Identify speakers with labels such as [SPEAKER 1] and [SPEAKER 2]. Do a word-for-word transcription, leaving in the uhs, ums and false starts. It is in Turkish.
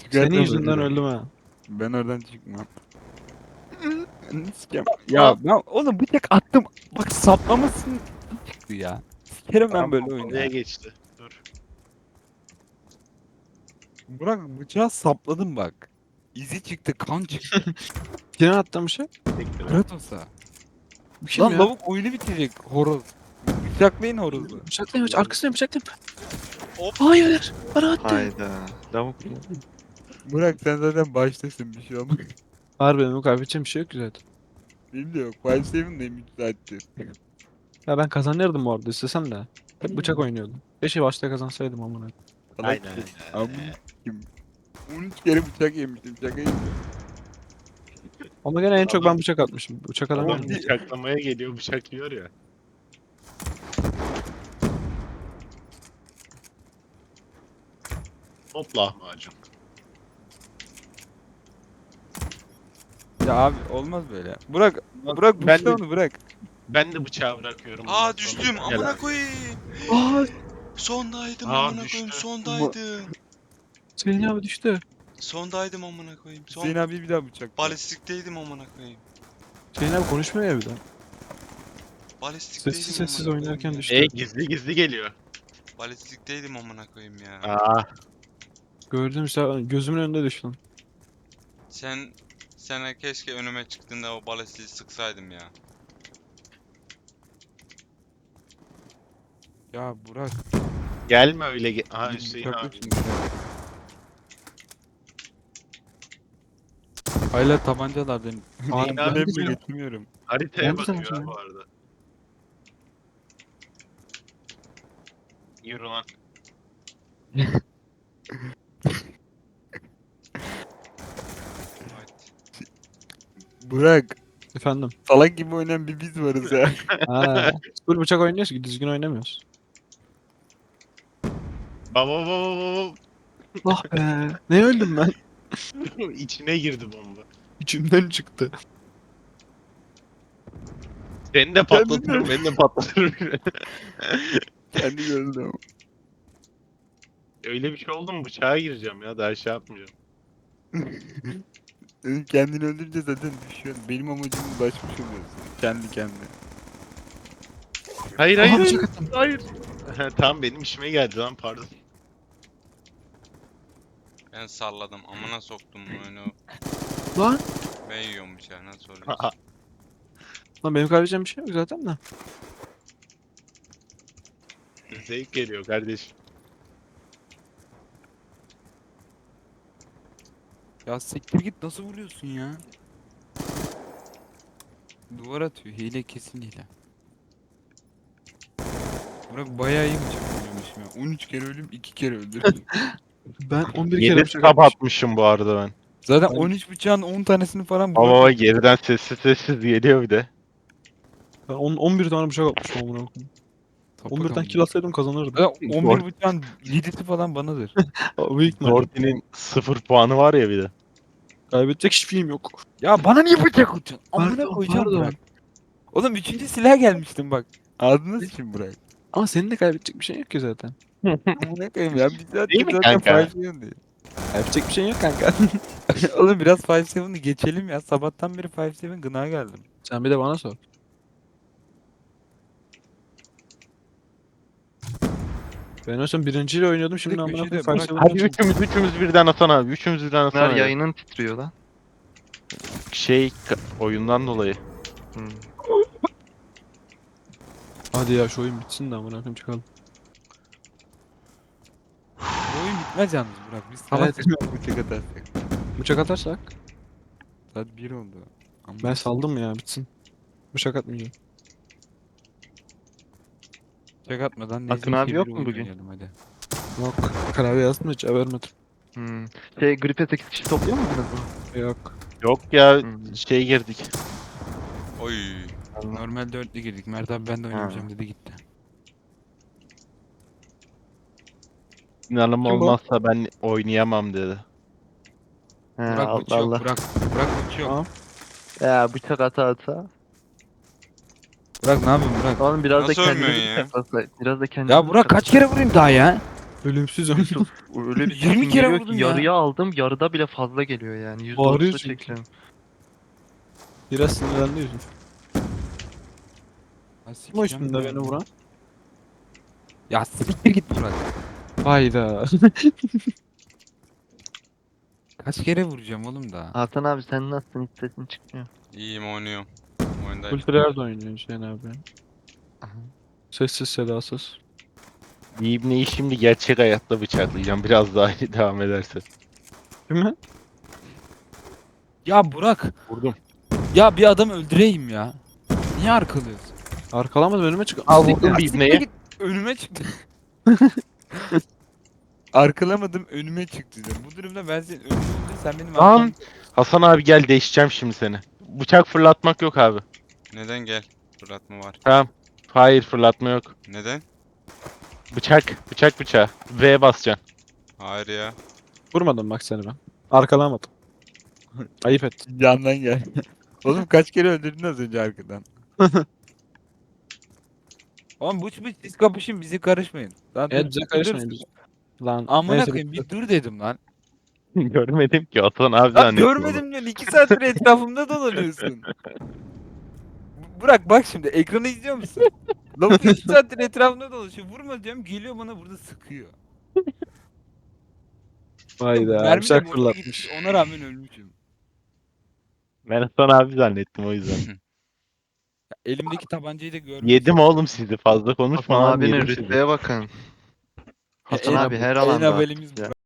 [SPEAKER 1] Senin yüzünden
[SPEAKER 2] Çıkartamadım.
[SPEAKER 1] öldüm ha.
[SPEAKER 2] Ben oradan çıkmam. Sikem. Ya ben oğlum bıçak attım. Bak saplamasın çıktı ya. Sikerim ben böyle oyunu
[SPEAKER 3] Pompalıya
[SPEAKER 2] ya.
[SPEAKER 3] geçti. Dur.
[SPEAKER 2] Burak bıçağı sapladım bak. İzi çıktı, kan çıktı.
[SPEAKER 1] Kime attım bir şey?
[SPEAKER 3] Bekle.
[SPEAKER 2] Kratos'a.
[SPEAKER 1] Bu kim
[SPEAKER 2] Lan
[SPEAKER 1] ya?
[SPEAKER 2] lavuk oyunu bitirecek horoz. Bıçaklayın horozu.
[SPEAKER 1] Bıçaklayın, arkasına bıçaklayın.
[SPEAKER 3] Hop.
[SPEAKER 1] Hayır, bana attı.
[SPEAKER 4] Hayda. Lavuk mu?
[SPEAKER 2] Burak sen zaten baştasın bir şey olmaz.
[SPEAKER 1] Harbi benim kaybedeceğim bir şey yok ki zaten.
[SPEAKER 2] Benim de yok. Five Seven'dayım üç saattir.
[SPEAKER 1] Ya ben kazanırdım bu arada istesem de. Hep bıçak oynuyordum. Keşke başta kazansaydım amına.
[SPEAKER 2] Salak
[SPEAKER 3] Aynen.
[SPEAKER 2] şey. Amına kim? on üç kere bıçak yemiştim. Şaka yemiştim.
[SPEAKER 1] Ama gene en çok
[SPEAKER 3] Adam-
[SPEAKER 1] ben bıçak atmışım. Bıçak adam
[SPEAKER 3] Adam
[SPEAKER 1] benim.
[SPEAKER 3] bıçaklamaya geliyor, bıçak yiyor ya. Hop lahmacun.
[SPEAKER 2] Ya abi olmaz böyle. Burak, Burak
[SPEAKER 3] Ben
[SPEAKER 2] bıçağı
[SPEAKER 3] de,
[SPEAKER 2] onu bırak.
[SPEAKER 3] ben de bıçağı bırakıyorum. bundan
[SPEAKER 5] Aa
[SPEAKER 3] sonra.
[SPEAKER 5] düştüm
[SPEAKER 3] Gel
[SPEAKER 5] amına
[SPEAKER 3] abi.
[SPEAKER 5] koyayım.
[SPEAKER 1] Aa,
[SPEAKER 5] Sondaydım
[SPEAKER 3] Aa,
[SPEAKER 5] amına
[SPEAKER 3] düştü.
[SPEAKER 5] koyayım sondaydım.
[SPEAKER 1] Hüseyin abi düştü.
[SPEAKER 5] Sondaydım amına koyayım. Son
[SPEAKER 2] Hüseyin abi bir daha bıçak.
[SPEAKER 5] balistikteydim amına koyayım.
[SPEAKER 1] Hüseyin abi konuşmuyor ya bir de.
[SPEAKER 5] Balistikteydim
[SPEAKER 1] Sessiz sessiz
[SPEAKER 5] amına
[SPEAKER 1] oynarken
[SPEAKER 5] koyayım
[SPEAKER 1] düştü.
[SPEAKER 5] ya.
[SPEAKER 3] E gizli gizli geliyor.
[SPEAKER 5] Balistikteydim amına koyayım ya.
[SPEAKER 3] Aa,
[SPEAKER 1] Gördüm işte gözümün önünde düştü.
[SPEAKER 5] Sen sen keşke önüme çıktığında o balistiği sıksaydım ya.
[SPEAKER 2] Ya Burak.
[SPEAKER 3] gelme öyle. Ge Aa
[SPEAKER 2] bir
[SPEAKER 3] Hüseyin
[SPEAKER 2] bıçakla
[SPEAKER 3] abi.
[SPEAKER 2] şimdi. Hala tabancalardan.
[SPEAKER 1] Abi,
[SPEAKER 3] ben
[SPEAKER 2] Ben
[SPEAKER 1] de canım.
[SPEAKER 2] getirmiyorum.
[SPEAKER 3] Haritaya
[SPEAKER 1] Ben de sana
[SPEAKER 3] bakıyor ha
[SPEAKER 1] söyleyeyim.
[SPEAKER 3] bu arada. Yürü lan.
[SPEAKER 5] Haydi.
[SPEAKER 2] Burak.
[SPEAKER 1] Efendim.
[SPEAKER 2] Salak gibi oynayan bir biz varız ya.
[SPEAKER 1] Ha. Full bıçak oynuyoruz ki düzgün oynamıyoruz.
[SPEAKER 3] Baba baba baba.
[SPEAKER 1] Ah be. Ne öldüm ben?
[SPEAKER 3] İçine girdi bomba.
[SPEAKER 1] İçimden çıktı.
[SPEAKER 3] Beni de patlatırım, beni de patlatırım.
[SPEAKER 2] Kendi gördüm ama.
[SPEAKER 3] Öyle bir şey oldu mu bıçağa gireceğim ya, daha şey yapmayacağım.
[SPEAKER 2] Senin kendini öldürünce zaten düşüyorsun. Benim amacıma ulaşmış oluyorsun. Kendi kendine.
[SPEAKER 3] Hayır
[SPEAKER 1] Aha,
[SPEAKER 3] hayır
[SPEAKER 1] bıçak
[SPEAKER 3] hayır.
[SPEAKER 1] attım.
[SPEAKER 3] Hayır. Ha, tamam benim işime geldi lan, pardon.
[SPEAKER 5] Ben salladım amına soktum oyunu.
[SPEAKER 1] Lan.
[SPEAKER 5] Ben yiyorum bıçağı nasıl oluyor?
[SPEAKER 1] Lan benim kaybedeceğim bir şey yok zaten de.
[SPEAKER 3] Zevk geliyor kardeşim.
[SPEAKER 2] Ya siktir git nasıl vuruyorsun ya? Duvar atıyor. Hile kesin hile. Burak bayağı iyi bıçak vuruyormuşum ya. on üç kere ölüm iki kere öldürdüm.
[SPEAKER 1] Ben on bir kere
[SPEAKER 3] Yedi
[SPEAKER 1] bıçak
[SPEAKER 3] tab
[SPEAKER 1] atmışım.
[SPEAKER 3] atmışım bu arada ben.
[SPEAKER 2] Zaten on üç bıçağın on tanesini falan
[SPEAKER 3] Ama
[SPEAKER 2] Burak
[SPEAKER 3] baba geriden sessiz sessiz geliyor bir de.
[SPEAKER 1] Ben on, on bir tane bıçak atmışım amına koyayım. on birden kill atsaydım kazanırdım.
[SPEAKER 2] Zaten on bir bıçağın yedisi falan banadır.
[SPEAKER 1] Aa, büyük ihtimalle.
[SPEAKER 3] Dorti'nin sıfır puanı var ya bir de.
[SPEAKER 1] Kaybedecek hiçbir şeyim yok.
[SPEAKER 2] Ya bana niye bıçak atıyorsun? Amına
[SPEAKER 1] Pardon,
[SPEAKER 2] koyacağım
[SPEAKER 1] pardon.
[SPEAKER 2] Burak. Oğlum üçüncü silah gelmiştim bak. Ağzına sıçayım Burak.
[SPEAKER 1] Ama senin de kaybedecek bir şeyin yok ki zaten.
[SPEAKER 2] Amına koyayım ya. Bir saat
[SPEAKER 3] Değil mi
[SPEAKER 2] zaten
[SPEAKER 3] kanka?
[SPEAKER 2] five seven değil.
[SPEAKER 1] Kaybedecek bir şeyin yok kanka.
[SPEAKER 2] Oğlum biraz five seven'ı geçelim ya. Sabahtan beri five seven gına geldim.
[SPEAKER 1] Sen bir de bana sor. Ben o zaman birinciyle oynuyordum şimdi
[SPEAKER 2] Hadi
[SPEAKER 1] amına
[SPEAKER 2] köşede
[SPEAKER 1] koyayım
[SPEAKER 2] bırak.
[SPEAKER 1] Five
[SPEAKER 3] Hadi
[SPEAKER 1] Seven'dan çıktım.
[SPEAKER 3] üçümüz üçümüz birden atana abi. Üçümüz birden atana
[SPEAKER 4] Bunlar
[SPEAKER 3] abi.
[SPEAKER 4] yayının titriyor lan.
[SPEAKER 3] Şey ka- oyundan dolayı.
[SPEAKER 4] Hmm.
[SPEAKER 1] Hadi ya şu oyun bitsin de amına koyayım çıkalım.
[SPEAKER 2] Bu oyun bitmez yalnız Burak. Biz
[SPEAKER 1] Evet.
[SPEAKER 2] sabah bıçak atarsak.
[SPEAKER 1] Bıçak atarsak
[SPEAKER 2] Saat bir oldu. Amına
[SPEAKER 1] ben saldım ya bitsin. Bıçak atmayacağım.
[SPEAKER 2] Bıçak atmadan
[SPEAKER 4] Akın
[SPEAKER 2] nezih
[SPEAKER 4] abi
[SPEAKER 2] bir
[SPEAKER 4] yok mu
[SPEAKER 2] oyun
[SPEAKER 4] bugün?
[SPEAKER 2] oynayalım hadi.
[SPEAKER 1] Yok. Klavye yazdım hiç vermedim.
[SPEAKER 4] Hmm. Şey gripe sekiz kişi topluyor muydunuz bu?
[SPEAKER 1] Yok.
[SPEAKER 3] Yok ya
[SPEAKER 4] Hmm.
[SPEAKER 3] şey girdik.
[SPEAKER 5] Oy.
[SPEAKER 2] Normal dörtlü girdik. Mert abi ben de oynamayacağım dedi gitti.
[SPEAKER 3] İnanım
[SPEAKER 1] Kim bu?
[SPEAKER 3] olmazsa ben oynayamam dedi.
[SPEAKER 4] He,
[SPEAKER 2] Burak
[SPEAKER 4] Allah
[SPEAKER 2] bıçak yok.
[SPEAKER 4] Allah.
[SPEAKER 2] Burak, Burak bıçak yok.
[SPEAKER 1] Tamam.
[SPEAKER 4] Ya bıçak ata ata.
[SPEAKER 2] Burak ne yapıyorsun Burak?
[SPEAKER 4] Oğlum biraz
[SPEAKER 5] Nasıl
[SPEAKER 4] da kendini
[SPEAKER 5] ölmüyorsun ya?
[SPEAKER 4] bıçaklasa. Biraz da kendini
[SPEAKER 2] Ya Burak kaç kere vurayım daha ya?
[SPEAKER 1] Ölümsüzüm.
[SPEAKER 4] Yusuf öyle bir
[SPEAKER 2] yirmi
[SPEAKER 4] sesin
[SPEAKER 2] kere
[SPEAKER 4] geliyor
[SPEAKER 2] vurdum
[SPEAKER 4] ki
[SPEAKER 2] ya.
[SPEAKER 4] yarıya aldım, yarıda bile fazla geliyor yani. yüzde
[SPEAKER 1] Bağırıyor
[SPEAKER 4] otuz'u
[SPEAKER 1] çünkü.
[SPEAKER 4] çekiyorum.
[SPEAKER 1] Biraz sinirlendi yüzüm.
[SPEAKER 2] Ya
[SPEAKER 1] Kim o
[SPEAKER 2] sikeceğim
[SPEAKER 1] üstünde
[SPEAKER 2] ya.
[SPEAKER 1] beni vuran?
[SPEAKER 2] Ya siktir git Burak.
[SPEAKER 1] Hayda.
[SPEAKER 2] Kaç kere vuracağım oğlum da.
[SPEAKER 4] Hasan abi sen nasılsın? Hiç sesin çıkmıyor.
[SPEAKER 5] İyiyim oynuyorum. Oyundayım.
[SPEAKER 1] Ultiler de oynuyor Hüseyin abi.
[SPEAKER 4] Aha.
[SPEAKER 1] Sessiz sedasız.
[SPEAKER 3] İbneyi şimdi gerçek hayatta bıçaklayacağım. Biraz daha iyi devam ederse.
[SPEAKER 1] Değil mi?
[SPEAKER 2] Ya Burak.
[SPEAKER 3] Vurdum.
[SPEAKER 2] Ya bir adam öldüreyim ya. Niye arkalıyorsun?
[SPEAKER 1] Arkalamadım önüme çık.
[SPEAKER 3] Al
[SPEAKER 1] Siktir.
[SPEAKER 3] vurdum bir
[SPEAKER 2] Siktir
[SPEAKER 3] ibneye.
[SPEAKER 2] git. Önüme çıktı. Arkalamadım önüme çıktı diyorum. Bu durumda ben senin önüme öldür, sen benim
[SPEAKER 3] Lan!
[SPEAKER 2] arkam.
[SPEAKER 3] Hasan abi gel değişeceğim şimdi seni. Bıçak fırlatmak yok abi.
[SPEAKER 5] Neden gel? Fırlatma var.
[SPEAKER 3] Tamam. Hayır fırlatma yok.
[SPEAKER 5] Neden?
[SPEAKER 3] Bıçak. Bıçak bıçağı. V basacaksın.
[SPEAKER 5] Hayır ya.
[SPEAKER 1] Vurmadım bak seni ben. Arkalamadım. Ayıp ettin.
[SPEAKER 2] Yandan gel. Oğlum kaç kere öldürdün az önce arkadan. Oğlum bu bu siz kapışın bizi karışmayın. Lan
[SPEAKER 1] Evet
[SPEAKER 2] dur,
[SPEAKER 1] bize
[SPEAKER 2] dur,
[SPEAKER 1] karışmayın
[SPEAKER 2] dur.
[SPEAKER 1] biz. Lan
[SPEAKER 2] Amına
[SPEAKER 1] neyse,
[SPEAKER 2] koyayım
[SPEAKER 1] bitti.
[SPEAKER 2] bir dur dedim lan.
[SPEAKER 3] Görmedim ki Hasan abi
[SPEAKER 2] Lan
[SPEAKER 3] zannettim onu.
[SPEAKER 2] görmedim diyorsun iki saattir etrafımda dolanıyorsun. Bu- Burak bak şimdi ekranı izliyor musun? Lavuk iki saattir etrafımda dolaşıyor. Vurma diyorum geliyor bana burada sıkıyor.
[SPEAKER 1] Hayda.
[SPEAKER 2] Mermi de
[SPEAKER 1] Bıçak
[SPEAKER 2] boşa
[SPEAKER 1] fırlatmış.
[SPEAKER 2] gitmiş, ona rağmen ölmüşüm.
[SPEAKER 3] Ben Hasan abi zannettim o yüzden.
[SPEAKER 2] Elimdeki tabancayı da görmüş.
[SPEAKER 3] Yedim oğlum sizi. Fazla konuşma
[SPEAKER 4] Hasan
[SPEAKER 3] lan
[SPEAKER 4] abinin
[SPEAKER 3] yedim sizi.
[SPEAKER 4] rütbeye bakın. Hasan
[SPEAKER 2] en-
[SPEAKER 4] abi her
[SPEAKER 2] En
[SPEAKER 4] alanda.
[SPEAKER 2] haberimiz
[SPEAKER 4] Ya.
[SPEAKER 2] Burak.